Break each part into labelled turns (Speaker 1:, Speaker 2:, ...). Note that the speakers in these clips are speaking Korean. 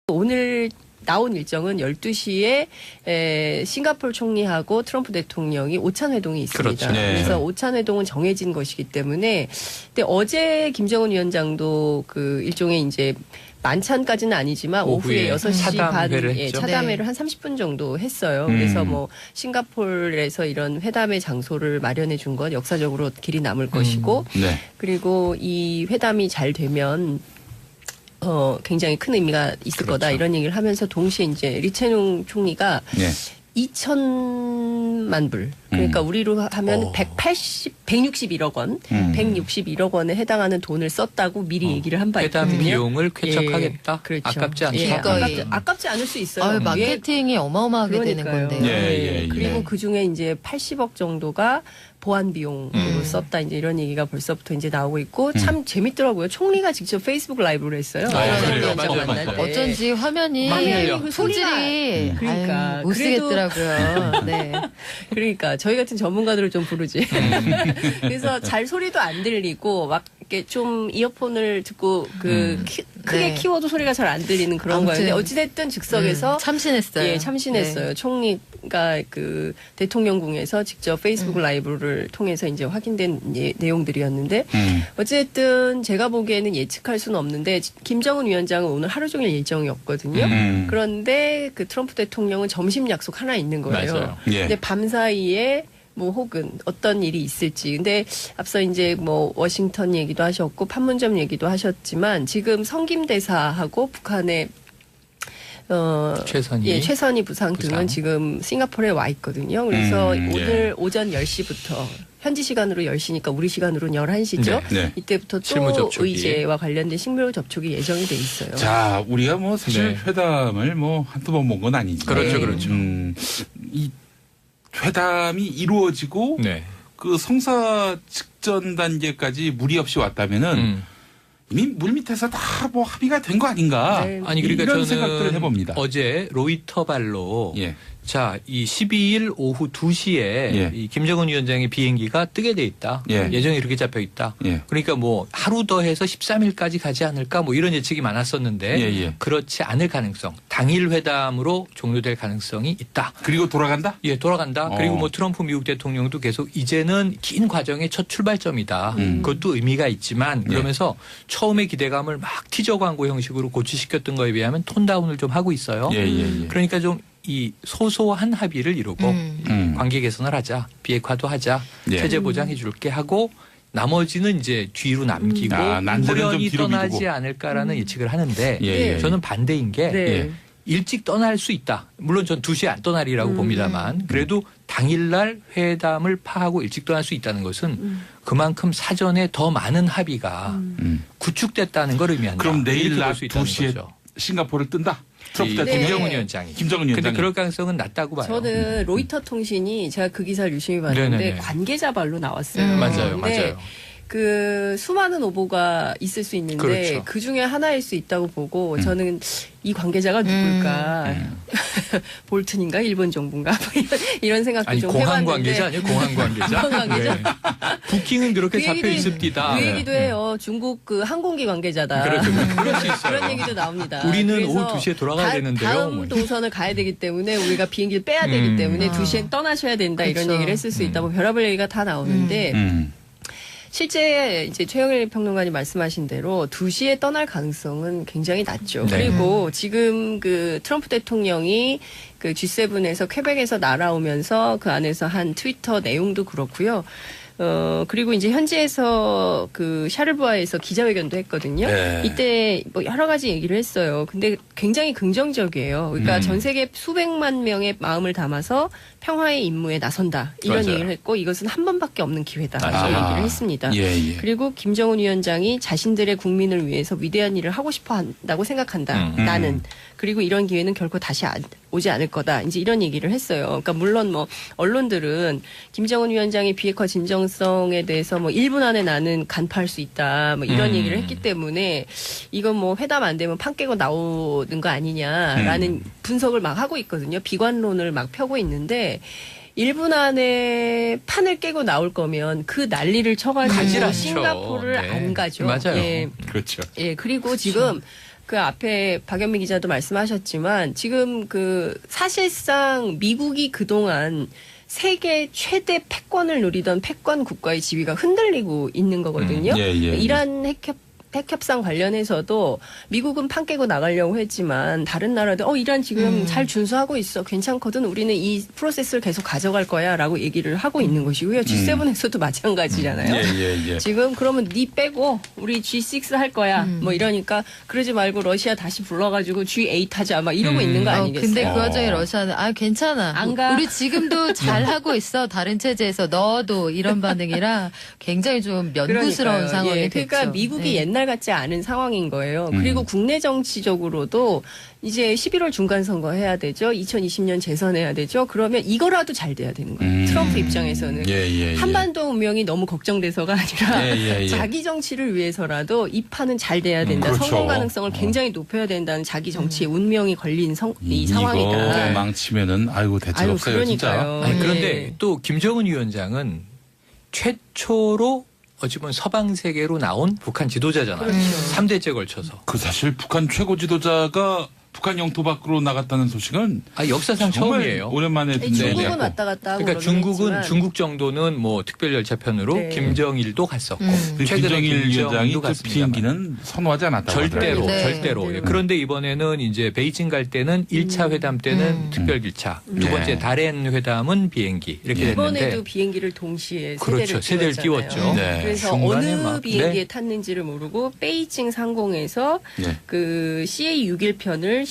Speaker 1: 오늘 나온 일정은 12시에 싱가포르 총리하고 트럼프 대통령이 오찬 회동이 있습니다.
Speaker 2: 그렇죠. 네.
Speaker 1: 그래서 오찬 회동은 정해진 것이기 때문에 근데 어제 김정은 위원장도 그 일종의 이제 만찬까지는 아니지만 오후에 6시 반 차담회를 한 30분 정도 했어요. 그래서 뭐 싱가포르에서 이런 회담의 장소를 마련해 준 건 역사적으로 길이 남을 것이고
Speaker 2: 네.
Speaker 1: 그리고 이 회담이 잘 되면 굉장히 큰 의미가 있을 거다 이런 얘기를 하면서 동시에 이제 리채농 총리가 2천만 불 그러니까 우리로 하면 161억 원, 161억 원에 해당하는 돈을 썼다고 미리 얘기를 한 바 있거든요.
Speaker 2: 회담 비용을 쾌척하겠다.
Speaker 1: 그렇죠.
Speaker 2: 아깝지 않다.
Speaker 1: 예, 아깝지 않을 수 있어요.
Speaker 3: 마케팅이 어마어마하게 되는 건데요.
Speaker 1: 그리고 그 중에 이제 80억 정도가 보안 비용으로 썼다 이제 이런 얘기가 벌써부터 이제 나오고 있고 참 재밌더라고요. 총리가 직접 페이스북 라이브를 했어요.
Speaker 2: 그래요?
Speaker 1: 만날 때.
Speaker 3: 어쩐지 화면이
Speaker 1: 그
Speaker 3: 소질이
Speaker 1: 그러니까
Speaker 3: 못 쓰겠더라고요. 네.
Speaker 1: 그러니까 저희 같은 전문가들을 좀 부르지. 그래서 잘 소리도 안 들리고 막 이렇게 좀 이어폰을 듣고 크게 키워도 소리가 잘 안 들리는 그런 거예요. 근데 어찌됐든 즉석에서
Speaker 3: 참신했어요.
Speaker 1: 예, 참신했어요. 네. 총리가 그 대통령궁에서 직접 페이스북 라이브를 통해서 이제 확인된 내용들이었는데 어쨌든 제가 보기에는 예측할 수는 없는데 김정은 위원장은 오늘 하루 종일 일정이었거든요. 그런데 그 트럼프 대통령은 점심 약속 하나 있는 거예요.
Speaker 2: 맞아요.
Speaker 1: 근데 밤 사이에 뭐 혹은 어떤 일이 있을지. 근데 앞서 이제 뭐 워싱턴 얘기도 하셨고 판문점 얘기도 하셨지만 지금 성김대사하고 북한의 최선희 부상 등은 지금 싱가포르에 와 있거든요. 그래서 오늘 오전 10시부터 현지 시간으로 10시니까 우리 시간으로는 11시죠. 이때부터 또 의제와 관련된 식물 접촉이 예정이 돼 있어요.
Speaker 4: 자, 우리가 뭐 사실 회담을 뭐 한두 번 본 건 아니지만
Speaker 2: 그렇죠.
Speaker 4: 이 회담이 이루어지고 그 성사 직전 단계까지 무리 없이 왔다면은 이미 물밑에서 다 뭐 합의가 된 거 아닌가?
Speaker 2: 아니 그러니까
Speaker 4: 이런
Speaker 2: 저는
Speaker 4: 생각들을 해봅니다.
Speaker 2: 어제 로이터 발로 자, 이 12일 오후 2시에 이 김정은 위원장의 비행기가 뜨게 돼 있다. 예정이 이렇게 잡혀 있다. 그러니까 뭐 하루 더 해서 13일까지 가지 않을까 뭐 이런 예측이 많았었는데 그렇지 않을 가능성. 당일 회담으로 종료될 가능성이 있다.
Speaker 4: 그리고 돌아간다?
Speaker 2: 예, 돌아간다. 그리고 뭐 트럼프 미국 대통령도 계속 이제는 긴 과정의 첫 출발점이다. 그것도 의미가 있지만 그러면서 처음에 기대감을 막 티저 광고 형식으로 고취시켰던 거에 비하면 톤다운을 좀 하고 있어요. 그러니까 좀 이 소소한 합의를 이루고 관계 개선을 하자, 비핵화도 하자, 체제 보장해 줄게 하고 나머지는 이제 뒤로 남기고 호련히 떠나지 않을까라는 예측을 하는데 저는 반대인 게 일찍 떠날 수 있다. 물론 전 2시에 안 떠나리라고 봅니다만 그래도 당일날 회담을 파하고 일찍 떠날 수 있다는 것은 그만큼 사전에 더 많은 합의가 구축됐다는 걸 의미한다.
Speaker 4: 그럼 내일 낮 2시에 싱가포르를 뜬다?
Speaker 2: 김정은 위원장이.
Speaker 4: 근데
Speaker 2: 그럴 가능성은 낮다고 봐요.
Speaker 1: 저는 로이터 통신이 제가 그 기사를 유심히 봤는데 관계자 발로 나왔어요.
Speaker 2: 맞아요.
Speaker 1: 그 수많은 오보가 있을 수 있는데 그 중에 하나일 수 있다고 보고 저는 이 관계자가 누굴까? 볼튼인가? 일본 정부인가? 이런 생각도 좀 해봤는데.
Speaker 2: 공항 관계자 아니에요? 공항 관계자?
Speaker 1: 공항 관계자?
Speaker 2: 부킹은 그렇게 잡혀 있습니다.
Speaker 1: 그 얘기도 해요. 중국 그 항공기 관계자다.
Speaker 2: 그럴 수 있어요.
Speaker 1: 그런 얘기도 나옵니다.
Speaker 2: 우리는 오후 2시에 돌아가야 되는데요.
Speaker 1: 다음 동선을 가야 되기 때문에 우리가 비행기를 빼야 되기 때문에 2시엔 떠나셔야 된다. 이런 얘기를 했을 수 있다고 별의별 얘기가 다 나오는데 실제 이제 최영일 평론가님 말씀하신 대로 2시에 떠날 가능성은 굉장히 낮죠. 그리고 지금 그 트럼프 대통령이 그 G7에서 퀘벡에서 날아오면서 그 안에서 한 트위터 내용도 그렇고요. 그리고 이제 현지에서 그 샤르부아에서 기자회견도 했거든요. 이때 뭐 여러 가지 얘기를 했어요. 근데 굉장히 긍정적이에요. 그러니까 전 세계 수백만 명의 마음을 담아서 평화의 임무에 나선다. 이런 얘기를 했고 이것은 한 번밖에 없는 기회다. 이런 얘기를 했습니다. 그리고 김정은 위원장이 자신들의 국민을 위해서 위대한 일을 하고 싶어 한다고 생각한다. 나는. 그리고 이런 기회는 결코 다시 오지 않을 거다. 이제 이런 얘기를 했어요. 그러니까 물론 뭐 언론들은 김정은 위원장의 비핵화 진정성에 대해서 뭐 1분 안에 나는 간파할 수 있다. 뭐 이런 얘기를 했기 때문에 이건 뭐 회담 안 되면 판 깨고 나오는 거 아니냐라는 분석을 막 하고 있거든요. 비관론을 막 펴고 있는데 1분 안에 판을 깨고 나올 거면 그 난리를 쳐가지고 싱가포르를 안 가죠.
Speaker 2: 맞아요.
Speaker 4: 그렇죠.
Speaker 1: 그리고 지금 그 앞에 박연미 기자도 말씀하셨지만 지금 그 사실상 미국이 그동안 세계 최대 패권을 누리던 패권 국가의 지위가 흔들리고 있는 거거든요. 이란 핵협상 관련해서도 미국은 판 깨고 나가려고 했지만 다른 나라들 이란 지금 잘 준수하고 있어. 괜찮거든. 우리는 이 프로세스를 계속 가져갈 거야 라고 얘기를 하고 있는 것이고요. G7에서도 마찬가지잖아요. 지금 그러면 니 빼고 우리 G6 할 거야. 뭐 이러니까 그러지 말고 러시아 다시 불러가지고 G8 하자 막 이러고 있는 거 아니겠어요?
Speaker 3: 근데 그 와중에 러시아는 괜찮아.
Speaker 1: 안 가.
Speaker 3: 우리 지금도 잘 하고 있어. 다른 체제에서 넣어도 이런 반응이라 굉장히 좀 면구스러운 상황이 됐죠.
Speaker 1: 그러니까 미국이 옛날 같지 않은 상황인 거예요. 그리고 국내 정치적으로도 이제 11월 중간선거 해야 되죠. 2020년 재선해야 되죠. 그러면 이거라도 잘 돼야 되는 거예요. 트럼프 입장에서는. 한반도 운명이 너무 걱정돼서가 아니라 자기 정치를 위해서라도 이 판은 잘 돼야 된다.
Speaker 4: 그렇죠.
Speaker 1: 성공 가능성을 굉장히 높여야 된다는 자기 정치의 운명이 걸린 이 상황이다.
Speaker 4: 이거 망치면은 아이고 대책 없어요.
Speaker 1: 그러니까요.
Speaker 4: 진짜.
Speaker 2: 그런데 또 김정은 위원장은 최초로 어찌 보면 서방 세계로 나온 북한 지도자잖아요.
Speaker 1: 그렇죠.
Speaker 2: 3대째 걸쳐서.
Speaker 4: 그 사실 북한 최고 지도자가 북한 영토 밖으로 나갔다는 소식은
Speaker 2: 역사상
Speaker 4: 정말
Speaker 2: 처음이에요.
Speaker 4: 오랜만에 듣는
Speaker 1: 중국은
Speaker 4: 얘기고.
Speaker 1: 왔다 갔다 하고
Speaker 2: 그러니까 중국 정도는 뭐 특별 열차편으로
Speaker 1: 네.
Speaker 2: 김정일도 갔었고
Speaker 4: 김정일 위원장이 그
Speaker 2: 갔습니다만.
Speaker 4: 비행기는 선호하지 않았다고
Speaker 2: 절대로
Speaker 4: 하더라고요.
Speaker 2: 절대로. 예. 그런데 이번에는 이제 베이징 갈 때는 1차 회담 때는 특별 기차, 두 번째 다롄 회담은 비행기 이렇게
Speaker 1: 이번에도
Speaker 2: 됐는데
Speaker 1: 비행기를 동시에
Speaker 2: 그렇죠. 세대를
Speaker 1: 띄웠잖아요.
Speaker 2: 띄웠죠.
Speaker 4: 네.
Speaker 1: 그래서
Speaker 2: 중간에
Speaker 1: 어느
Speaker 2: 막,
Speaker 1: 비행기에
Speaker 2: 네.
Speaker 1: 탔는지를 모르고 베이징 상공에서
Speaker 4: 네.
Speaker 1: 그 CA61편을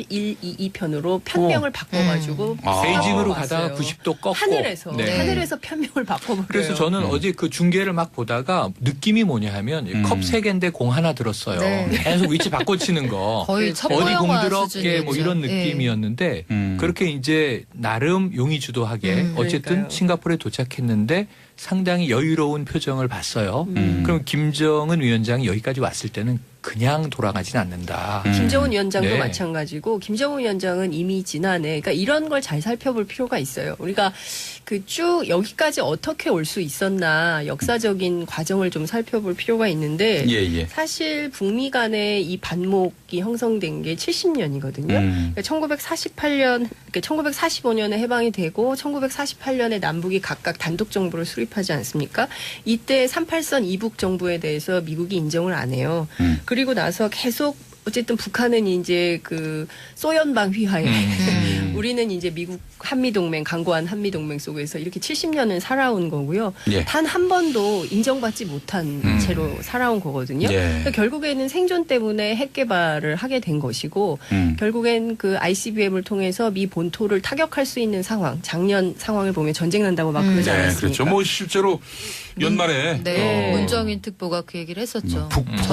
Speaker 1: CA122편으로 편명을 바꿔가지고
Speaker 2: 베이징으로
Speaker 1: 왔어요.
Speaker 2: 가다가 90도 꺾고
Speaker 1: 하늘에서
Speaker 2: 네.
Speaker 1: 하늘에서 편명을 바꿔버려요.
Speaker 2: 그래서 저는 어제 그 중계를 막 보다가 느낌이 뭐냐 하면 컵 3개인데 공 하나 들었어요.
Speaker 3: 네.
Speaker 2: 계속 위치 바꿔치는 거.
Speaker 3: 거의 첩보
Speaker 2: 어디 공
Speaker 3: 영화
Speaker 2: 들었게
Speaker 3: 수준이었죠.
Speaker 2: 뭐 이런
Speaker 3: 네.
Speaker 2: 느낌이었는데 그렇게 이제 나름 용의주도하게 어쨌든
Speaker 1: 그러니까요.
Speaker 2: 싱가포르에 도착했는데 상당히 여유로운 표정을 봤어요. 그럼 김정은 위원장이 여기까지 왔을 때는 그냥 돌아가진 않는다.
Speaker 1: 김정은 위원장도
Speaker 2: 네.
Speaker 1: 마찬가지고 김정은 위원장은 이미 지난해 그러니까 이런 걸 잘 살펴볼 필요가 있어요. 우리가 그 쭉 여기까지 어떻게 올 수 있었나 역사적인 과정을 좀 살펴볼 필요가 있는데 사실 북미 간의 이 반목이 형성된 게 70년이거든요. 그러니까 1948년, 그러니까 1945년에 해방이 되고 1948년에 남북이 각각 단독 정부를 수립하지 않습니까? 이때 38선 이북 정부에 대해서 미국이 인정을 안 해요. 그리고 나서 계속 어쨌든 북한은 이제 그 소연방 휘하에 우리는 이제 미국 한미동맹 강고한 한미동맹 속에서 이렇게 70년을 살아온 거고요. 단 한 번도 인정받지 못한 채로 살아온 거거든요. 그러니까 결국에는 생존 때문에 핵 개발을 하게 된 것이고 결국엔 그 ICBM을 통해서 미 본토를 타격할 수 있는 상황, 작년 상황을 보면 전쟁 난다고 막 그러지 않았습니까?
Speaker 4: 그렇죠. 뭐 실제로 연말에
Speaker 3: 문정인 특보가 그 얘기를 했었죠.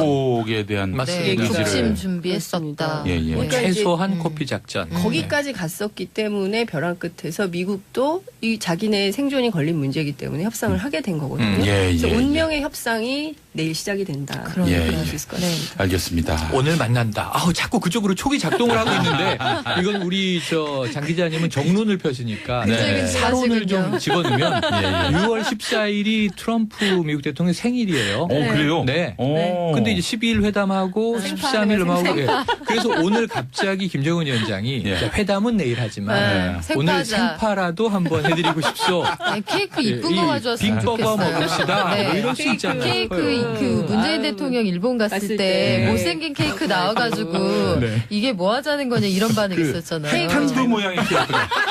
Speaker 4: 북폭에 대한
Speaker 2: 맞습니다.
Speaker 3: 북침 준비했었다.
Speaker 1: 그러니까
Speaker 2: 최소한 코피 작전.
Speaker 1: 거기까지 갔었기 때문에 벼랑 끝에서 미국도 이 자기네 생존이 걸린 문제이기 때문에 협상을 하게 된 거거든요. 그래서 운명의 협상이 내일 시작이 된다. 그런 얘기를 수 있을 것 같습니다.
Speaker 4: 알겠습니다.
Speaker 2: 오늘 만난다. 자꾸 그쪽으로 촉이 작동을 하고 있는데 이건 우리 장 기자님은 정론을 펴시니까 사론을 좀 집어넣으면 6월 14일이 트럼프 미국 대통령 생일이에요.
Speaker 4: 그래요?
Speaker 2: 네. 근데 이제 12일 회담하고 13일 음하고 그래서 오늘 갑자기 김정은 위원장이 회담은 내일 하지만 오늘 생파라도 한번 해드리고 싶소.
Speaker 3: 케이크 이쁜 거 가져왔으면
Speaker 2: 빅버거
Speaker 3: 좋겠어요.
Speaker 2: 먹읍시다. 뭐 이럴 수 있잖아요.
Speaker 3: 케이크 그 문재인 대통령 일본 갔을 때 못생긴 케이크 나와가지고 이게 뭐 하자는 거냐 이런 반응이 있었잖아요.
Speaker 4: 탄두 모양의 케이크.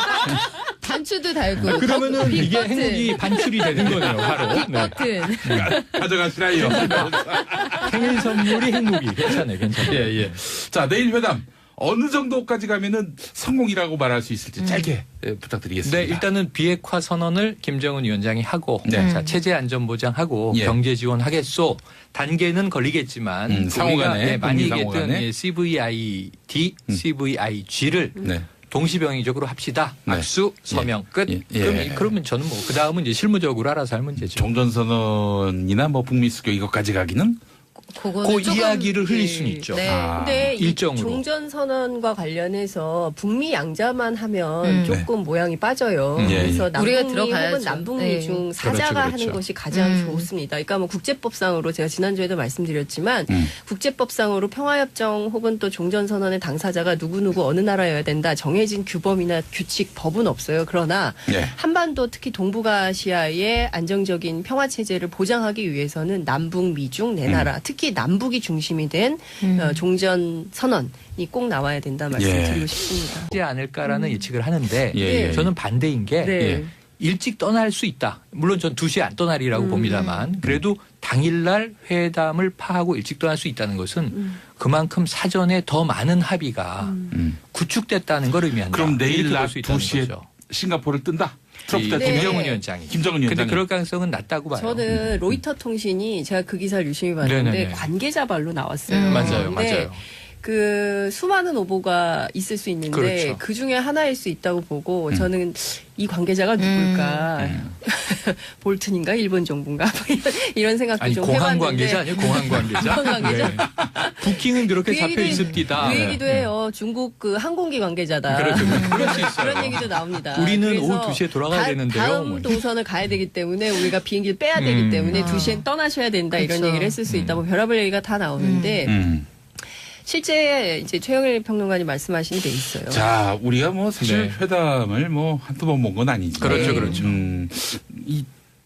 Speaker 3: 단추도 달고.
Speaker 2: 그러면은 이게
Speaker 3: 버튼.
Speaker 2: 행복이 반출이 되는 거네요, 바로.
Speaker 3: 버튼.
Speaker 4: 가져가시라요.
Speaker 2: 생일 선물이 행복이. 괜찮아요.
Speaker 4: 자, 내일 회담. 어느 정도까지 가면은 성공이라고 말할 수 있을지 짧게 부탁드리겠습니다.
Speaker 2: 네, 일단은 비핵화 선언을 김정은 위원장이 하고 자, 체제 안전 보장하고 경제 지원하겠소. 단계는 걸리겠지만
Speaker 4: 상호간에
Speaker 2: 많이 얘기했던 CVID, CVIG를 동시병의적으로 합시다. 악수, 서명 끝. 그러면 저는 뭐 그 다음은 이제 실무적으로 알아서 할 문제죠.
Speaker 4: 종전선언이나 뭐 북미 수교 이것까지 가기는
Speaker 3: 그거는
Speaker 2: 그
Speaker 3: 조금,
Speaker 2: 이야기를 흘릴
Speaker 3: 예.
Speaker 2: 수는 있죠.
Speaker 3: 네.
Speaker 1: 근데 이
Speaker 2: 일정으로.
Speaker 1: 종전 선언과 관련해서 북미 양자만 하면 조금 모양이 빠져요.
Speaker 4: 예,
Speaker 1: 그래서
Speaker 3: 우리가
Speaker 1: 남북미 혹은
Speaker 3: 들어가야죠.
Speaker 1: 남북미
Speaker 3: 네.
Speaker 1: 중 사자가
Speaker 2: 그렇죠.
Speaker 1: 하는 것이 가장 좋습니다. 그러니까 뭐 국제법상으로 제가 지난주에도 말씀드렸지만 국제법상으로 평화협정 혹은 또 종전 선언의 당사자가 누구누구 어느 나라여야 된다 정해진 규범이나 규칙 법은 없어요. 그러나
Speaker 4: 예.
Speaker 1: 한반도 특히 동북아시아의 안정적인 평화 체제를 보장하기 위해서는 남북 미중 네 나라 특히 남북이 중심이 된 종전 선언이 꼭 나와야 된다 말씀드리고 싶습니다.
Speaker 2: 하지 않을까라는 예측을 하는데
Speaker 4: 예.
Speaker 2: 저는 반대인 게
Speaker 1: 네.
Speaker 2: 일찍 떠날 수 있다. 물론 전 2시에 안 떠나리라고 봅니다만 그래도 당일날 회담을 파하고 일찍 떠날 수 있다는 것은 그만큼 사전에 더 많은 합의가 구축됐다는 걸 의미한다.
Speaker 4: 그럼 내일
Speaker 2: 이렇게 볼
Speaker 4: 낮
Speaker 2: 수 있다는
Speaker 4: 2시에
Speaker 2: 거죠.
Speaker 4: 싱가포르를 뜬다. 트럼프
Speaker 2: 이
Speaker 4: 대통령.
Speaker 2: 김정은 위원장이.
Speaker 4: 김정은
Speaker 2: 근데
Speaker 4: 위원장이.
Speaker 2: 그럴 가능성은 낮다고 봐요.
Speaker 1: 저는 로이터 통신이 제가 그 기사를 유심히 봤는데
Speaker 2: 네네네.
Speaker 1: 관계자 발로 나왔어요.
Speaker 2: 맞아요.
Speaker 1: 근데
Speaker 2: 맞아요.
Speaker 1: 그 수많은 오보가 있을 수 있는데
Speaker 2: 그렇죠.
Speaker 1: 그 중에 하나일 수 있다고 보고 저는 이 관계자가 누굴까 볼튼인가 일본 정부인가 뭐 이런 생각도
Speaker 2: 아니
Speaker 1: 좀
Speaker 2: 공항
Speaker 1: 해봤는데
Speaker 2: 관계자 아니에요? 공항 관계자?
Speaker 1: 공항 관계자?
Speaker 2: 네. 부킹은 그렇게
Speaker 1: 그
Speaker 2: 잡혀
Speaker 1: 얘기도
Speaker 2: 있습니다.
Speaker 1: 그 얘기도 해요. 중국 그 항공기 관계자다.
Speaker 2: 그렇죠. 그럴 수 있어요.
Speaker 1: 그런 얘기도 나옵니다.
Speaker 2: 우리는
Speaker 1: 그래서
Speaker 2: 오후 2시에 돌아가야 되는데요.
Speaker 1: 다음
Speaker 2: 뭐.
Speaker 1: 동선을 가야 되기 때문에 우리가 비행기를 빼야 되기 때문에 2시엔 떠나셔야 된다 이런
Speaker 3: 그렇죠.
Speaker 1: 얘기를 했을 수 있다. 뭐 별의별 얘기가 다 나오는데 실제 이제 최영일 평론가님 말씀하신 데 있어요.
Speaker 4: 자, 우리가 뭐 사실
Speaker 2: 네.
Speaker 4: 회담을 뭐 한두 번 본 건 아니지.
Speaker 2: 그렇죠, 그렇죠.
Speaker 4: 이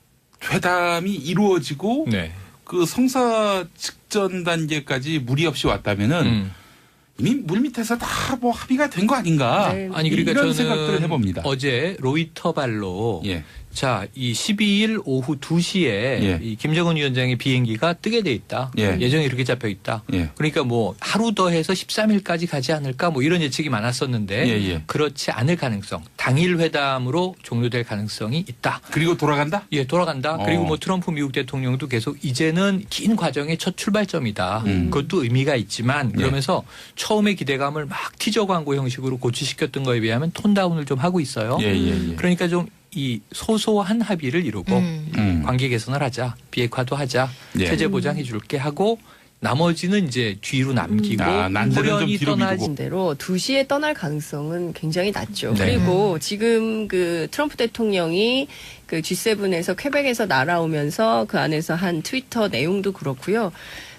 Speaker 4: 회담이 이루어지고
Speaker 2: 네.
Speaker 4: 그 성사 직전 단계까지 무리 없이 왔다면은 이미 물 밑에서 다 뭐 합의가 된 거 아닌가.
Speaker 1: 네.
Speaker 2: 아니 그러니까
Speaker 4: 이런
Speaker 2: 저는
Speaker 4: 생각들을 해봅니다.
Speaker 2: 어제 로이터 발로
Speaker 4: 예.
Speaker 2: 자, 이 12일 오후 2시에
Speaker 4: 예.
Speaker 2: 이 김정은 위원장의 비행기가 뜨게 돼 있다.
Speaker 4: 예.
Speaker 2: 예정이 이렇게 잡혀 있다.
Speaker 4: 예.
Speaker 2: 그러니까 뭐 하루 더 해서 13일까지 가지 않을까 뭐 이런 예측이 많았었는데
Speaker 4: 예, 예.
Speaker 2: 그렇지 않을 가능성, 당일 회담으로 종료될 가능성이 있다.
Speaker 4: 그리고 돌아간다?
Speaker 2: 예, 돌아간다. 그리고 뭐 트럼프 미국 대통령도 계속 이제는 긴 과정의 첫 출발점이다. 그것도 의미가 있지만 그러면서 처음에 기대감을 막 티저 광고 형식으로 고취시켰던 거에 비하면 톤다운을 좀 하고 있어요.
Speaker 4: 예, 예, 예.
Speaker 2: 그러니까 좀 이 소소한 합의를 이루고 관계 개선을 하자, 비핵화도 하자,
Speaker 4: 예.
Speaker 2: 체제 보장해 줄게 하고 나머지는 이제 뒤로 남기고
Speaker 4: 난제는 좀
Speaker 2: 호련히
Speaker 4: 뒤로
Speaker 2: 떠나지.
Speaker 4: 미루고.
Speaker 1: 대로 2시에 떠날 가능성은 굉장히 낮죠.
Speaker 2: 네.
Speaker 1: 그리고 지금 그 트럼프 대통령이 그 G7에서 퀘벡에서 날아오면서 그 안에서 한 트위터 내용도 그렇고요.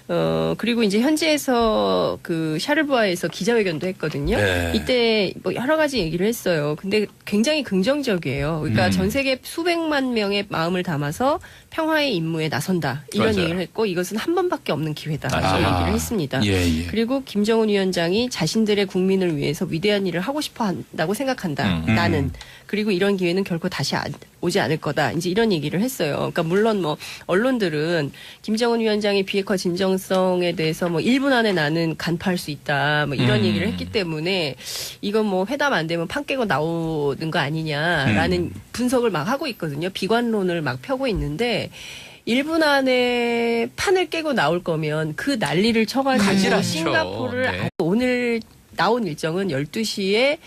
Speaker 1: 그리고 이제 현지에서 그 샤르부아에서 기자회견도 했거든요.
Speaker 4: 네.
Speaker 1: 이때 뭐 여러 가지 얘기를 했어요. 근데 굉장히 긍정적이에요. 그러니까 전 세계 수백만 명의 마음을 담아서 평화의 임무에 나선다. 이런
Speaker 2: 맞아요.
Speaker 1: 얘기를 했고 이것은 한 번밖에 없는 기회다.
Speaker 2: 맞아요.
Speaker 1: 이런 얘기를 했습니다.
Speaker 4: 예, 예.
Speaker 1: 그리고 김정은 위원장이 자신들의 국민을 위해서 위대한 일을 하고 싶어 한다고 생각한다. 나는. 그리고 이런 기회는 결코 다시 오지 않을 거다. 이제 이런 얘기를 했어요. 그러니까 물론 뭐 언론들은 김정은 위원장의 비핵화 진정성에 대해서 뭐 1분 안에 나는 간파할 수 있다. 뭐 이런 얘기를 했기 때문에 이건 뭐 회담 안 되면 판 깨고 나오는 거 아니냐라는 분석을 막 하고 있거든요. 비관론을 막 펴고 있는데 1분 안에 판을 깨고 나올 거면 그 난리를
Speaker 2: 가지
Speaker 1: 쳐가지고
Speaker 2: 않죠.
Speaker 1: 싱가포르를
Speaker 2: 네.
Speaker 1: 오늘 나온 일정은 12시에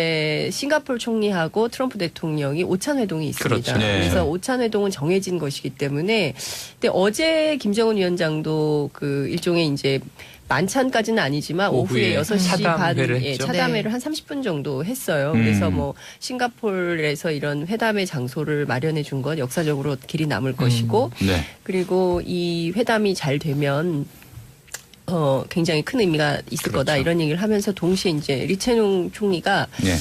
Speaker 1: 싱가포르 총리하고 트럼프 대통령이 오찬 회동이 있습니다.
Speaker 2: 그렇죠.
Speaker 4: 네.
Speaker 1: 그래서 오찬 회동은 정해진 것이기 때문에 근데 어제 김정은 위원장도 그 일종의 이제 만찬까지는 아니지만 오후에
Speaker 2: 오후에
Speaker 1: 6시 반
Speaker 2: 차담회를 했죠.
Speaker 1: 차담회를
Speaker 3: 네.
Speaker 1: 한 30분 정도 했어요. 그래서 뭐 싱가포르에서 이런 회담의 장소를 마련해 준 건 역사적으로 길이 남을 것이고
Speaker 4: 네.
Speaker 1: 그리고 이 회담이 잘 되면 굉장히 큰 의미가 있을
Speaker 2: 그렇죠.
Speaker 1: 거다 이런 얘기를 하면서 동시에 이제 리채농 총리가
Speaker 4: 네.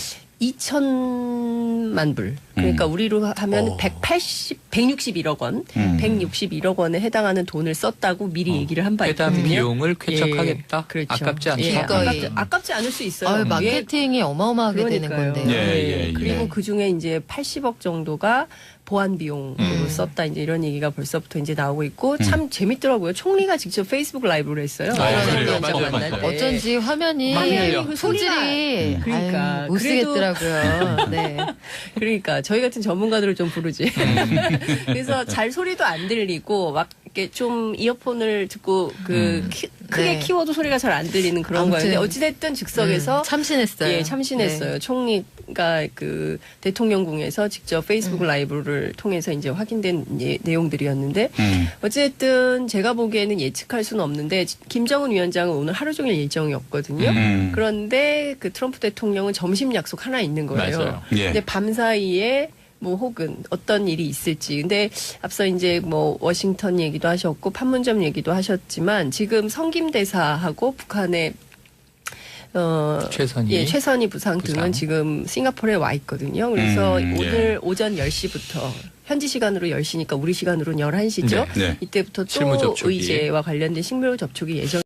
Speaker 1: 2천만 불 그러니까 우리로 하면 161억 원, 161억 원에 해당하는 돈을 썼다고 미리 얘기를 한 바
Speaker 2: 회담
Speaker 1: 있거든요.
Speaker 2: 비용을 쾌척하겠다.
Speaker 1: 예, 그렇죠.
Speaker 2: 아깝지 않다.
Speaker 1: 예,
Speaker 3: 기꺼이.
Speaker 1: 아깝지 않을 수 있어요.
Speaker 3: 아유,
Speaker 1: 예,
Speaker 3: 마케팅이 어마어마하게 되는
Speaker 1: 그러니까요.
Speaker 3: 건데요.
Speaker 4: 예, 예.
Speaker 1: 그리고 그 중에 이제 80억 정도가 보안 비용으로 썼다 이제 이런 얘기가 벌써부터 이제 나오고 있고 참 재밌더라고요. 총리가 직접 페이스북 라이브를 했어요.
Speaker 2: 그래요.
Speaker 1: 위원장
Speaker 2: 맞아요,
Speaker 1: 만날
Speaker 2: 맞아요.
Speaker 1: 때.
Speaker 3: 어쩐지 화면이
Speaker 2: 화면이
Speaker 1: 그
Speaker 3: 소질이
Speaker 1: 그러니까.
Speaker 3: 아유, 못 쓰겠더라고요. 네.
Speaker 1: 그러니까 저희 같은 전문가들을 좀 부르지. 그래서 잘 소리도 안 들리고 막 이렇게 좀 이어폰을 듣고 그 크게
Speaker 3: 네.
Speaker 1: 키워도 소리가 잘 안 들리는 그런
Speaker 3: 아무튼,
Speaker 1: 거였는데 어찌됐든 즉석에서
Speaker 3: 참신했어요.
Speaker 1: 예, 참신했어요.
Speaker 3: 네.
Speaker 1: 총리가 그 대통령궁에서 직접 페이스북 라이브를 통해서 이제 확인된 내용들이었는데 어쨌든 제가 보기에는 예측할 수는 없는데 김정은 위원장은 오늘 하루 종일 일정이었거든요. 그런데 그 트럼프 대통령은 점심 약속 하나 있는 거예요.
Speaker 2: 맞아요.
Speaker 4: 예.
Speaker 1: 근데 밤 사이에 뭐 혹은 어떤 일이 있을지. 근데 앞서 이제 뭐 워싱턴 얘기도 하셨고 판문점 얘기도 하셨지만 지금 성김대사하고 북한의 최선희 부상 등은 지금 싱가포르에 와 있거든요. 그래서 오늘 오전 10시부터 현지 시간으로 10시니까 우리 시간으로는 11시죠.
Speaker 2: 네.
Speaker 1: 이때부터 또
Speaker 2: 실무 접촉이.
Speaker 1: 의제와 관련된 식물 접촉이 예정